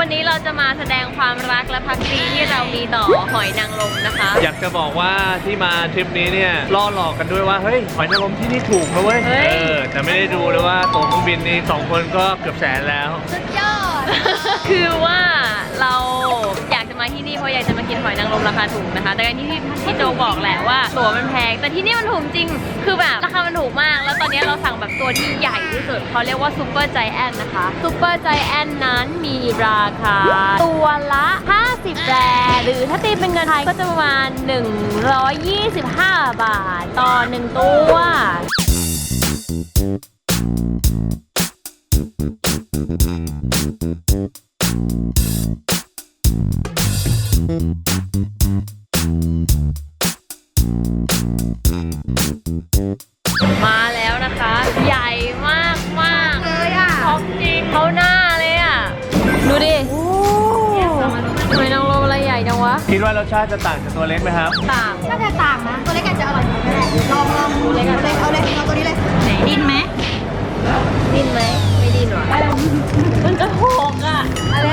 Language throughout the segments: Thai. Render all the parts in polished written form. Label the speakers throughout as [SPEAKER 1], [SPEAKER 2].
[SPEAKER 1] วันนี้เราจะมาแสดงความรักและภักดีที่เรามีต่อหอยนางรมนะคะ
[SPEAKER 2] อยากจะบอกว่าที่มาทริปนี้เนี่ยล่อหลอกกันด้วยว่าเฮ้ยหอยนางรมที่นี่ถูกนะเว้ยแต่ไม่ได้ดูเลยว่าตั๋วเครื่องบินนี่2 คนก็เกือบแสนแล้ว
[SPEAKER 1] สุดยอด คือว่าเราอยากจะมาที่นี่เพราะอยากจะมากินหอยนางรมราคาถูกนะคะแต่การที่พี่โจบอกแหละว่าตั๋วมันแพงแต่ที่นี่มันถูกจริงคือแบบราคามันถูกมากแล้วตอนนี้เราสั่งแบบตัวที่ใหญ่ที่สุดเขาเรียกว่าซูเปอร์ไจแอนท์นะคะซูเปอร์ไจแอนท์นั้นมีราคาตัวละ50 แรหรือถ้าตีเป็นเงินไทยก็จะประมาณ125 บาทต่อ1ตัวมาแล้วนะคะใหญ่มากมากเลยอ่ะของจริงเขาหน้าเลยอ่ะดูดิหอยนางรมอะไรใหญ่จังวะ
[SPEAKER 2] คิดว่ารสชาติจะต่างจากตัวเล็กไหมครับ
[SPEAKER 1] ต่าง
[SPEAKER 3] น่าจะต่างนะตัวเล็กอาจจะอร่อยกว่าก็ได้ลองดูเลยกันเลยเอาเลยเอาตัวนี้เลยไหนดิ้นไหม
[SPEAKER 1] ดิ้นไหมไม่ดิ้นหรอมันจะโหกอ่ะ
[SPEAKER 3] อะไร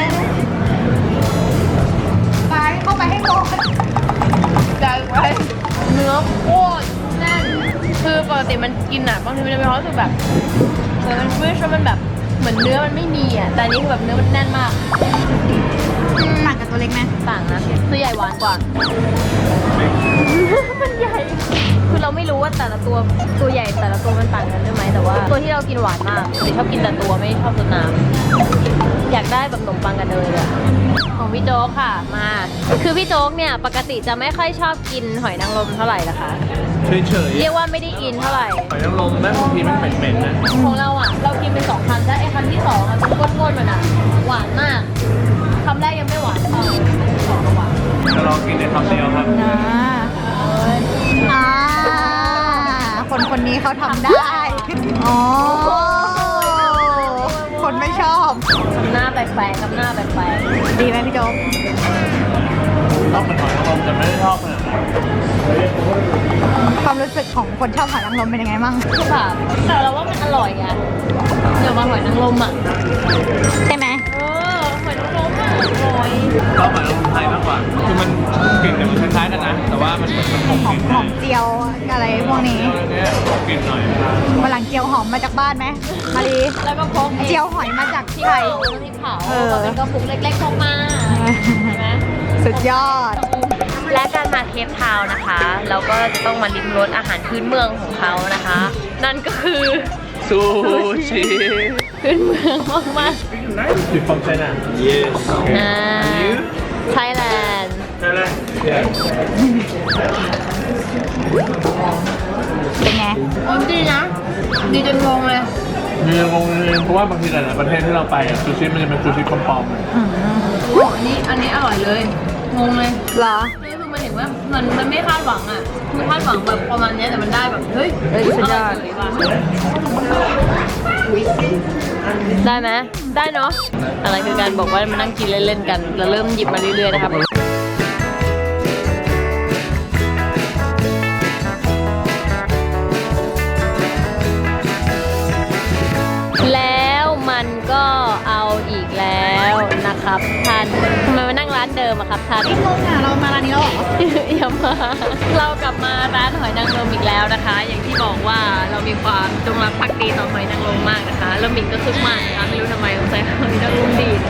[SPEAKER 3] ไปเข้าไปให้โต
[SPEAKER 1] ใหญ่ไปเนื้อโคตรแน่นคือปกติมันกินอ่ะบางทีมันจะมีความรู้สึกแบบเหมือนมันฟิชแล้วมันแบบเหมือนเนื้อมันไม่มีอ่ะแต่อันนี้คือแบบเนื้อมันแน่นมาก
[SPEAKER 3] ต่างกับตัวเล็กไหม
[SPEAKER 1] ต่างนะตัวใหญ่หวานกว่า มันใหญ่ คือเราไม่รู้ว่าแต่ละตัวใหญ่แต่ละตัวมันต่างกันด้วยไหมแต่ว่าตัวที่เรากินหวานมากแต่ชอบกินแต่ตัวไม่ชอบตัวน้ำอยากได้แบบขนมปังกันเลยอะของพี่โจ๊กค่ะมา คือพี่โจ๊กเนี่ยปกติจะไม่ค่อยชอบกินหอยนางรมเท่าไหร่นะคะ
[SPEAKER 2] เฉย
[SPEAKER 1] เรียกว่าไม่ได้อินเท่าไหร่
[SPEAKER 2] หอยนางรมแม่งบางทีมันเหม็นๆนะ
[SPEAKER 1] ของเราอ่ะเรากินเป็น2 คำแล้วไอ้คำที่2อ่ะเป็นก้นๆมันอ่ะหวานมากคำแรกยังไม่หวานเท่าสองก็หวาน
[SPEAKER 2] จะลองกินในคำเดียวครับ
[SPEAKER 3] คนนี้เขาทำได้อ๋อคนไม่ชอบ
[SPEAKER 1] ทำหน้าแปลกๆทำหน้าแปลก
[SPEAKER 3] ดีไหมพี่โจ๊ก
[SPEAKER 2] ชอบเป็นหอยนางรมแต่ไม่ได้ชอบขนาดนั้น
[SPEAKER 3] ความรู้สึกของคนชอบหอยนางรมเป็นยังไงบ้าง
[SPEAKER 1] ๆคือแบบแต่เราว่ามันอร่อยอ่ะเดี๋ยวมาหอยนางรมอ่ะ
[SPEAKER 3] ใช่ไหม
[SPEAKER 1] หอยนางรมอ่ะอร่อย
[SPEAKER 2] ชอบหอยนางรมไทยมากกว่าคือมันกลิ่นเนี่ยมันคล้ายๆกันนะแต่ว่ามันเหมือนมันหอม
[SPEAKER 3] ห
[SPEAKER 2] ก
[SPEAKER 3] อ
[SPEAKER 2] ลิ่น
[SPEAKER 3] มเจียวอะไรพวกนี้
[SPEAKER 2] เนี่ยหอมกลิ่นหน่อย
[SPEAKER 3] วันหลังเจียวหอมมาจากบ้านไหมมารี
[SPEAKER 1] แล้วก็พก
[SPEAKER 3] เจียวหอยมาจาก
[SPEAKER 1] ที่
[SPEAKER 3] ไท
[SPEAKER 1] เผาย ที่เผา
[SPEAKER 3] เออ
[SPEAKER 1] เป็นกระปุกเล็กๆพกมาใช่ไหม
[SPEAKER 3] สุดยอด
[SPEAKER 1] และการมาเคปทาวน์นะคะ เราก็จะต้องมาลิ้มรสอาหารพื้นเมืองของเขานะคะ นั่นก็คือ
[SPEAKER 2] ซูชิ
[SPEAKER 1] พื้นเมืองมาก
[SPEAKER 2] อยู่ฝั่งไชน่า yes
[SPEAKER 1] ๆไทยแลนด์
[SPEAKER 2] ใช่ไหม yes
[SPEAKER 3] เป็นไง
[SPEAKER 1] ดีนะ ดีจนงงเลย
[SPEAKER 2] มีงงเลยเพราะว่าบางทีหลายๆประเทศที่เราไปอ่ะซูชิมันจะเป็นซูชิปลอม
[SPEAKER 1] โอ้อันนี้อร่อยเลย งงเลย
[SPEAKER 3] เหรอ
[SPEAKER 1] คือมันเห็นว่ามันไม่คาดหวังอ่ะมันคาดหวังแบบประมาณเนี้ยแต่มันได้แบบ เฮ้ย
[SPEAKER 3] สุดยอด
[SPEAKER 1] ร่ว่ะได้ไหมได้เนาะ อะไรคือการบอกว่ามานั่งกินเล่นๆกัน แล้วเริ่มหยิบมาเรื่อยๆนะครับ แล้วมันก็เอาอีกแล้วนะครับท่านทำไมมานั่งร้านเดิมอะครับท่าน
[SPEAKER 3] งงอ่ะเรามาร้านนี้แล้วเหรอ
[SPEAKER 1] อย่ามาเรากลับมาร้านหอยนางรมอีกแล้วนะคะ อย่างที่บอกว่าเรามีความจงรักภักดีต่อหอยนางรมมากนะคะแล้วมินก็คึกมากนะคะไม่รู้ทำไมสงสัยหอยนางรมดีด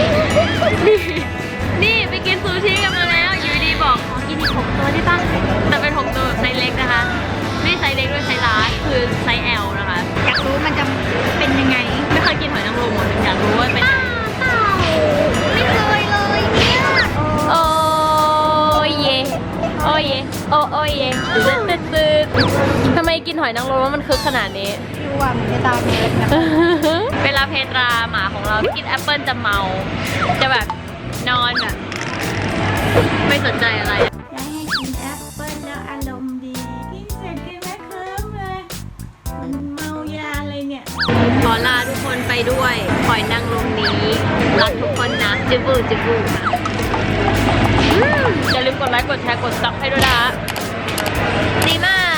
[SPEAKER 1] นี่ไปกินซูชิกันมาแล้วอยู่ดีบอกขอกินอีก6 ตัวได้ป่ะแต่เป็น6 ตัวแบบไซส์เล็กนะคะไม่ไซส์เล็กด้วยไซส์ลาร์จคือไซส์ L นะคะ
[SPEAKER 3] อยากรู้มันจะเป็นยังไง
[SPEAKER 1] ไม่เคยกินหอยนางรมเลยอยากรู้ว่าเป็นยังไง
[SPEAKER 3] ไม่เคยเลยเนี่ย
[SPEAKER 1] โอ้ยเยโอ้ยเยโอ้ยเยตื่นทำไมกินหอยนางรมแล้วมันคึกขนาดนี้
[SPEAKER 3] ดูว่ามันจะตามเลยนะ
[SPEAKER 1] เวลาเพตราหมาของเราที่กินแอปเปิ้ลจะเมา จะแบบนอนแบบไม่สนใจอะไร
[SPEAKER 3] อยากให้กินแอปเปิ้ลแล้วอารมณ์ดี กินเสร็จกินไม่เคลิ้มเลย มันเมายาเลยเนี่ย
[SPEAKER 1] ขอลาทุกคนไปด้วยหอยนางรมนี้รักทุกคนนะจิบูค่ะอย่าลืมกดไลค์กดแชร์กดซับให้ด้วยนะดีมาก